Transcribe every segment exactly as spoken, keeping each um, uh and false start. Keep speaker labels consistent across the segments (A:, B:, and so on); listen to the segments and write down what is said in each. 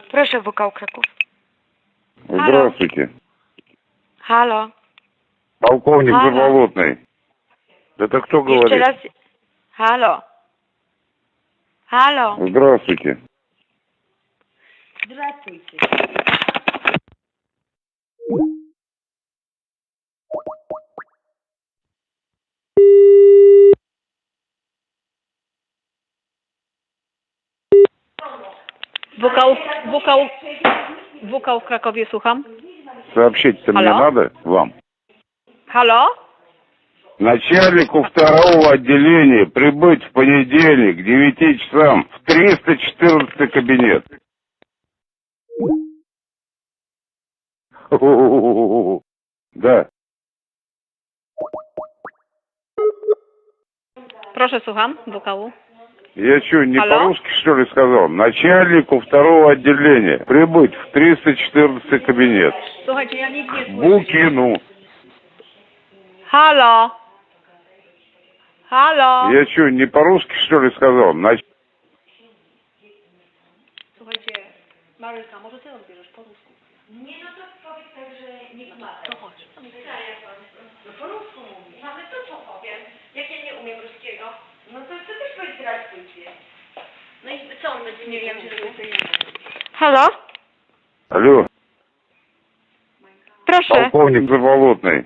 A: Proszę, W K U Kraków.
B: Здравствуйте.
A: Halo.
B: Полковник
A: Halo.
B: Заболотный. Это кто
A: Jeszcze
B: говорит?
A: raz. Halo. Halo.
B: Здравствуйте.
A: Здравствуйте.
C: W K U, W K U, W K U w Krakowie, słucham.
B: Сообщить-то мне
C: Алло?
B: надо вам?
C: Halo?
B: Начальнику второго отделения прибыть в понедельник к девяти часам в триста четырнадцатый кабинет. Да.
C: Proszę, słucham. W K U.
B: Я что, не
C: Алло?
B: по-русски, что ли, сказал? Начальнику второго отделения прибыть в триста четырнадцатый кабинет.
C: Słuchajcie, ja nic nie słyszę.
B: Букину.
A: Halo. Halo.
B: Я что, не по-русски, что ли, сказал? Нач...
C: Słuchajcie, Maryka, może ty odbierzesz po rusku?
D: Nie, no to powiedz tak, że nie pomaga.
C: To chodź.
D: No po rusku mówi. Mamy to co powiem. Jak ja nie umiem ruskiego, no to to też powiedz zdradźcie. No i co on będzie nie wiem, czy
A: Halo.
B: Алло,
A: Proszę.
B: полковник Заболотный.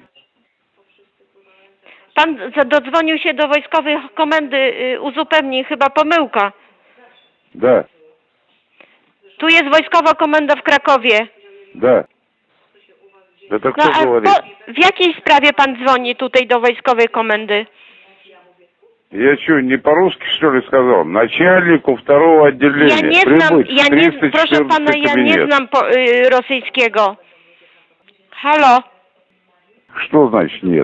A: Pan za- dodzwonił się do wojskowej komendy y, uzupełnień, chyba pomyłka.
B: Да,
A: Tu jest wojskowa komenda w Krakowie.
B: да. Это
A: No
B: кто
A: a
B: говорит?
A: po, w jakiej sprawie pan dzwoni tutaj do wojskowej komendy?
B: Я что, не по-русски, что ли, сказал? Начальнику второго отделения
A: Ja nie znam,
B: прибыть
A: ja
B: в
A: nie,
B: триста
A: proszę pana,
B: четырнадцатый
A: ja nie
B: кабинет.
A: znam po, y, rosyjskiego. Halo.
B: Что значит нет?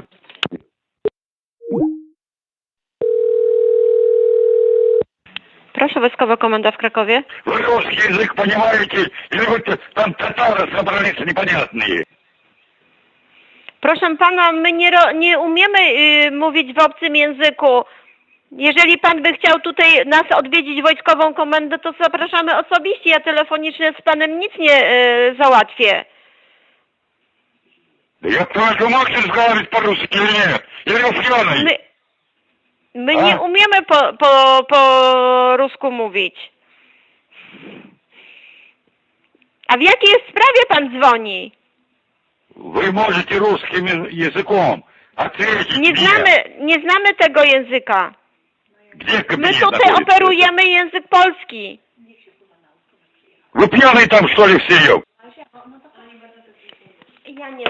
A: Proszę, wojskowa komenda w Krakowie.
E: Вы русский язык понимаете? Или вы т- там татары собрались непонятные?
A: Proszę pana, my nie, ro, nie umiemy y, mówić w obcym języku. Jeżeli pan by chciał tutaj nas odwiedzić wojskową komendę, to zapraszamy osobiście. Ja telefonicznie z panem nic nie y, załatwię.
E: Да я только можешь разговаривать по-русски или нет? Или вы пьяный?
A: My, my
E: A?
A: nie umiemy po, po, po rusku mówić. A w jakiej sprawie pan dzwoni?
E: Вы можете русским я- языком ответить
A: Nie
E: мне.
A: znamy, nie znamy tego języka.
E: Где
A: My
E: кабинет
A: tutaj
E: находится?
A: operujemy język polski.
E: Вы пьяные там, что ли, все?
A: Ja nie.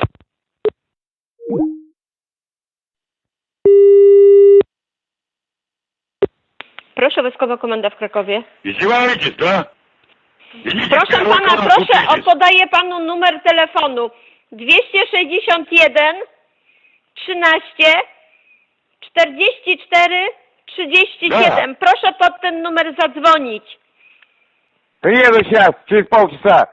A: Proszę, wojskowa komenda w Krakowie.
E: Издеваетесь, да? Идите
A: Proszę
E: в первый
A: pana,
E: класс
A: proszę,
E: учитесь.
A: podaję panu numer telefonu dwieście sześćdziesiąt jeden trzynaście czterdzieści cztery trzydzieści siedem. Proszę pod ten numer zadzwonić.
B: Приеду сейчас, через полчаса.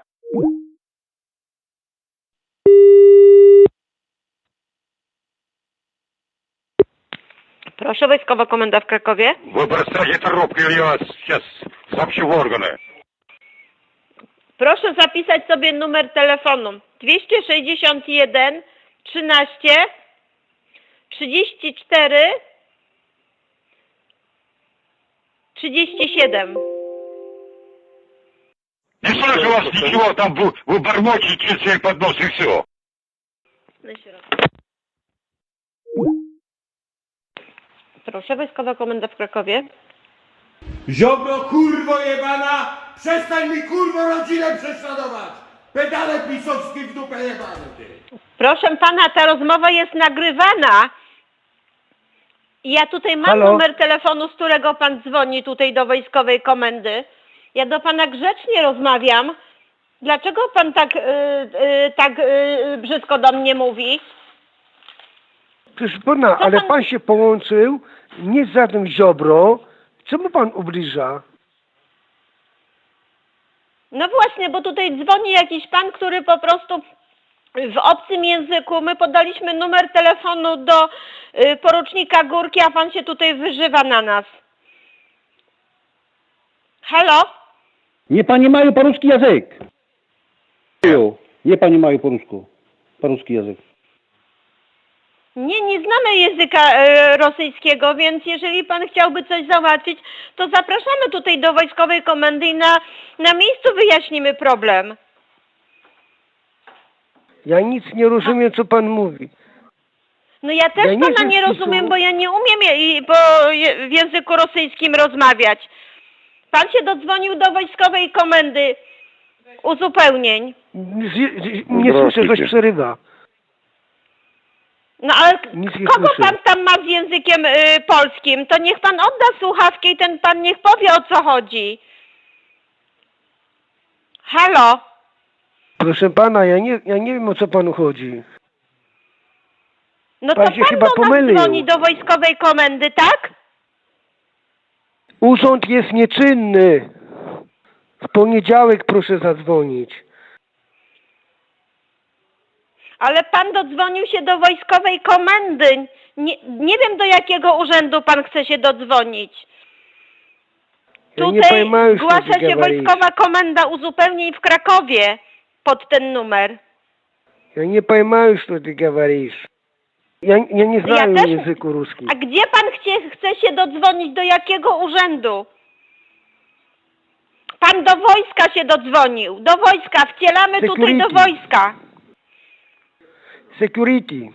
A: Proszę, wojskowa komenda w Krakowie.
E: Вы бросайте трубку, или я вас сейчас сообщу в органы.
A: Proszę zapisać sobie numer telefonu dwieście sześćdziesiąt jeden trzynaście trzydzieści cztery trzydzieści siedem.
E: Не слышу вас ничего, там вы, вы бормочете через свой поднос и все.
A: Proszę, wojskowa komenda w Krakowie.
F: Ziobro, kurwo jebana! Przestań mi, kurwo, rodzinę prześladować! Pedale pisowski w dupę jebany, ty!
A: Proszę pana, ta rozmowa jest nagrywana. I ja tutaj mam
F: Halo?
A: numer telefonu, z którego pan dzwoni tutaj do wojskowej komendy. Ja do pana grzecznie rozmawiam. Dlaczego pan tak, yy, yy, tak yy, brzydko do mnie mówi?
G: Proszę pana,
A: Co
G: ale
A: pan-
G: pan się połączył nie z żadnym Ziobro. Co mu pan ubliża?
A: No właśnie, bo tutaj dzwoni jakiś pan, który po prostu w obcym języku, my podaliśmy numer telefonu do y, porucznika Górki, a pan się tutaj wyżywa na nas. Halo?
H: Nie понимаю по-русски язык. Nie понимаю по-русски. Po-ruski język.
A: Nie, nie znamy języka e, rosyjskiego, więc jeżeli pan chciałby coś załatwić, to zapraszamy tutaj do wojskowej komendy i na, na miejscu wyjaśnimy problem.
G: Ja nic nie rozumiem, co pan mówi.
A: No ja też
G: Ja nie
A: pana
G: wiem,
A: nie
G: czy
A: rozumiem,
G: są-
A: bo ja nie umiem je, i- po, je, w języku rosyjskim rozmawiać. Pan się dodzwonił do wojskowej komendy uzupełnień.
G: Z, z, nie słyszę, coś przerywa.
A: No ale
G: Nic nie
A: kogo
G: słyszę.
A: pan tam ma z językiem y, polskim? To niech pan odda słuchawkę i ten pan niech powie, o co chodzi. Halo?
G: Proszę pana, ja nie, ja nie wiem, o co panu chodzi.
A: No
G: Pan
A: to
G: się
A: pan
G: chyba
A: do nas
G: pomylił.
A: dzwoni do wojskowej komendy, tak?
G: Urząd jest nieczynny. W poniedziałek proszę zadzwonić.
A: Ale pan dodzwonił się do wojskowej komendy. Nie, nie wiem, do jakiego urzędu pan chce się dodzwonić.
G: Ja nie
A: Tutaj
G: pojmаю, что
A: zgłasza
G: ты
A: się
G: говоришь.
A: wojskowa komenda uzupełnień w Krakowie pod ten numer.
G: Ja nie pojmаю, что ты говоришь. Ja, ja nie
A: Ja
G: znam
A: też-
G: języku ruskiego.
A: A gdzie pan chce, chce się dodzwonić? Do jakiego urzędu? Pan do wojska się dodzwonił. Do wojska. Wcielamy tutaj do
G: Security.
A: wojska.
G: Security.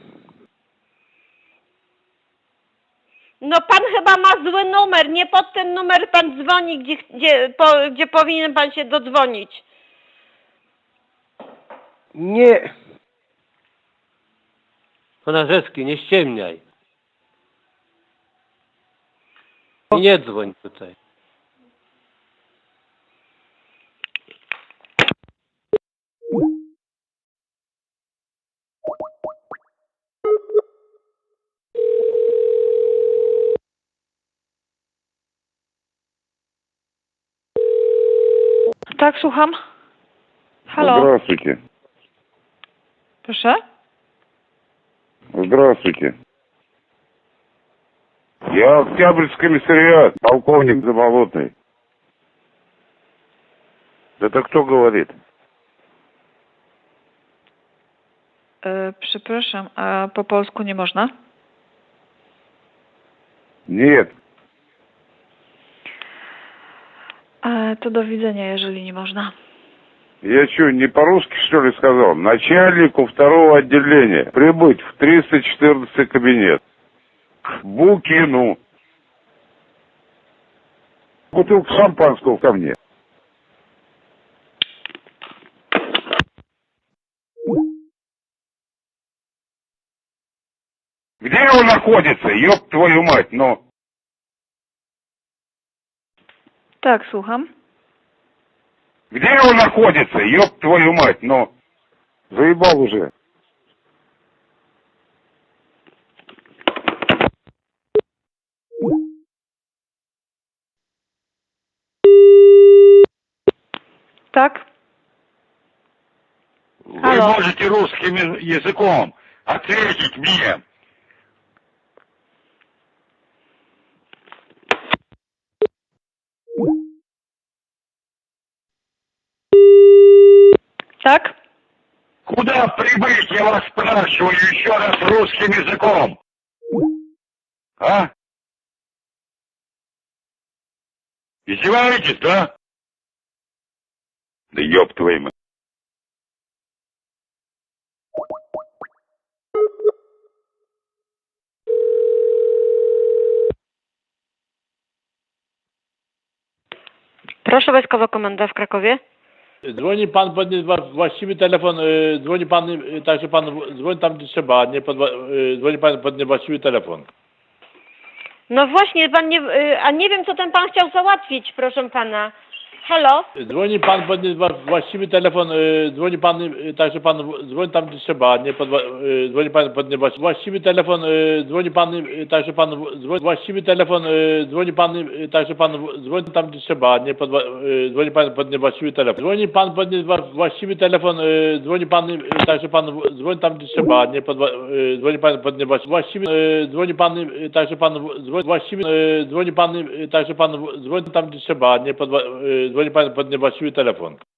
A: No pan chyba ma zły numer. Nie pod ten numer pan dzwoni, gdzie, gdzie, po, gdzie powinien pan się dodzwonić.
G: Nie.
I: Konarzewski, nie ściemniaj. I nie dzwoń tutaj.
C: Tak, słucham. Halo,
B: Здравствуйте.
C: proszę.
B: Здравствуйте. Я Октябрьский комиссариат, полковник Заболотный. Это кто говорит?
C: E, przepraszam, a po polsku nie można?
B: Нет.
C: E, to do widzenia, jeżeli nie można.
B: Я что, не по-русски, что ли, сказал? Начальнику второго отделения прибыть в триста четырнадцатый кабинет. К Букину. Бутылку шампанского ко мне. Где он находится, ёб твою мать, ну?
C: Tak, słucham.
B: Где он находится, ёб твою мать, ну? Заебал уже.
C: Tak?
E: Вы
C: Алло.
E: можете русским языком ответить мне.
C: Tak?
E: Куда прибыть, я вас спрашиваю еще раз русским языком? А? Издеваетесь, да? Да ёб твою мать.
A: Proszę wojskowa komenda w Krakowie.
I: Dzwoni pan pod nie- wa- właściwy telefon, y, dzwoni pan, y, także pan w- dzwoni tam gdzie trzeba, nie pod, wa- y, dzwoni pan pod niewłaściwy telefon.
A: No właśnie, pan nie, y, a nie wiem, co ten pan chciał załatwić, proszę pana. Halo?
I: Dzwoni pan pod nie- wa- właściwy telefon, y, dzwoni pan, y, także pan w- dzwoni tam gdzie trzeba, nie pod, wa- y, dzwoni pan pod niewłaściwy właściwy telefon, y, dzwoni pan, y, także pan w- dzwoni właściwy telefon, y, dzwoni pan, y, także pan w- dzwoni tam gdzie trzeba, nie pod, wa- y, dzwoni pan pod niewłaściwy telefon. Dzwoni pan pod nie- wa- właściwy telefon, y, dzwoni pan, y, także pan w- dzwoni tam gdzie trzeba, nie pod, wa- y, dzwoni pan pod niewłaściwy właściwy, y, dzwoni pan, y, także pan w- dzwoni właściwy, y, dzwoni pan, y, także pan w- dzwoni tam gdzie trzeba, nie pod, wa- y, dzwoni pan pod niewłaściwy telefon.